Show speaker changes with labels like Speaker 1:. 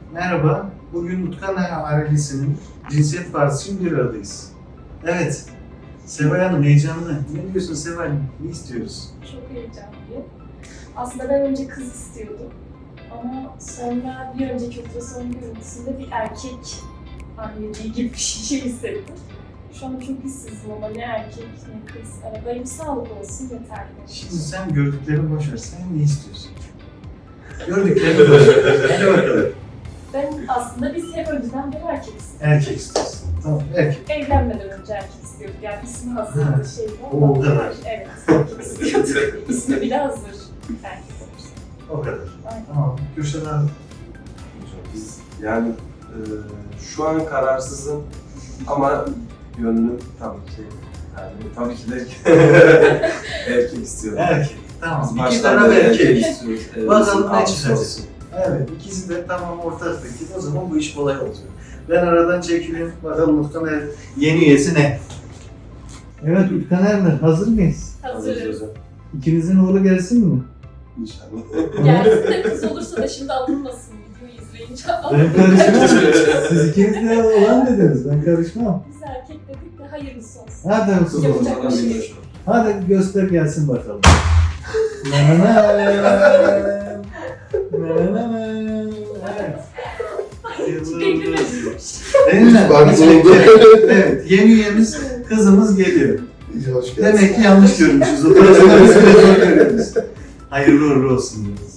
Speaker 1: Merhaba, bugün Utkan ailesinin cinsiyet partisi için bir aradayız. Evet, Seval Hanım heyecanlı. Ne diyorsun Seval? Ne istiyoruz?
Speaker 2: Çok heyecanlıyım. Aslında ben önce kız istiyordum. Ama sonra bir önceki ultrason görüntüsünde bir erkek anneliği gibi bir şey hissettim. Şu an çok işsizim ama ne erkek ne kız. Benim sağlık olsun yeterli.
Speaker 1: Şimdi sen gördüklerini boş ver, sen ne istiyorsun? Gördüklerini boş ver. Hadi bakalım.
Speaker 2: Ben aslında biz hep önceden bir erkek istiyorduk.
Speaker 1: Erkek istiyorsun. Tamam, erkek.
Speaker 2: Evlenmeden önce erkek istiyorduk. Yani ismi
Speaker 1: Ha,
Speaker 2: hazırdı şeydi
Speaker 1: o kadar.
Speaker 2: Evet, erkek istiyorduk. İsmi bile hazır. Erkek olursa.
Speaker 1: O kadar.
Speaker 2: Aynen.
Speaker 1: Tamam, Gülşen abi.
Speaker 3: Biz yani şu an kararsızım ama gönlüm tabii ki de erkek istiyorum.
Speaker 1: Erkek. Tamam,
Speaker 3: Biz
Speaker 1: iki
Speaker 3: baştan
Speaker 1: tane
Speaker 3: beri
Speaker 1: erkek.
Speaker 3: istiyoruz.
Speaker 1: Bakalım ne
Speaker 3: Abisi
Speaker 1: çıkacak.
Speaker 3: olsun.
Speaker 1: Evet, ikisi de tamam ortak fikir. O zaman bu iş kolay olacak. Ben aradan çekileyim. Bakalım Utkan yeni üyesi ne? Evet Utkan Erler, hazır mıyız?
Speaker 2: Hazırız.
Speaker 3: hocam.
Speaker 1: İkinizin oğlu gelsin mi?
Speaker 3: İnşallah.
Speaker 2: Gelsin de kız olursa da şimdi alınmasın videoyu izleyince.
Speaker 1: Ben karışmam. Siz ikiniz de olan dediniz, ben karışmam.
Speaker 2: Biz erkek dedik de hayırlısı olsun.
Speaker 1: Hadi olsun.
Speaker 2: Yapacak bir şey yok.
Speaker 1: Hadi göster gelsin bakalım. Nananam. Nananam. Evet. Evet, yeni üyemiz, kızımız geliyor.
Speaker 4: Hoş geldin.
Speaker 1: Demek ki yanlış görmüşüz. O tarafında biz bile zor görüyoruz. Hayırlı uğurlu olsun diyoruz.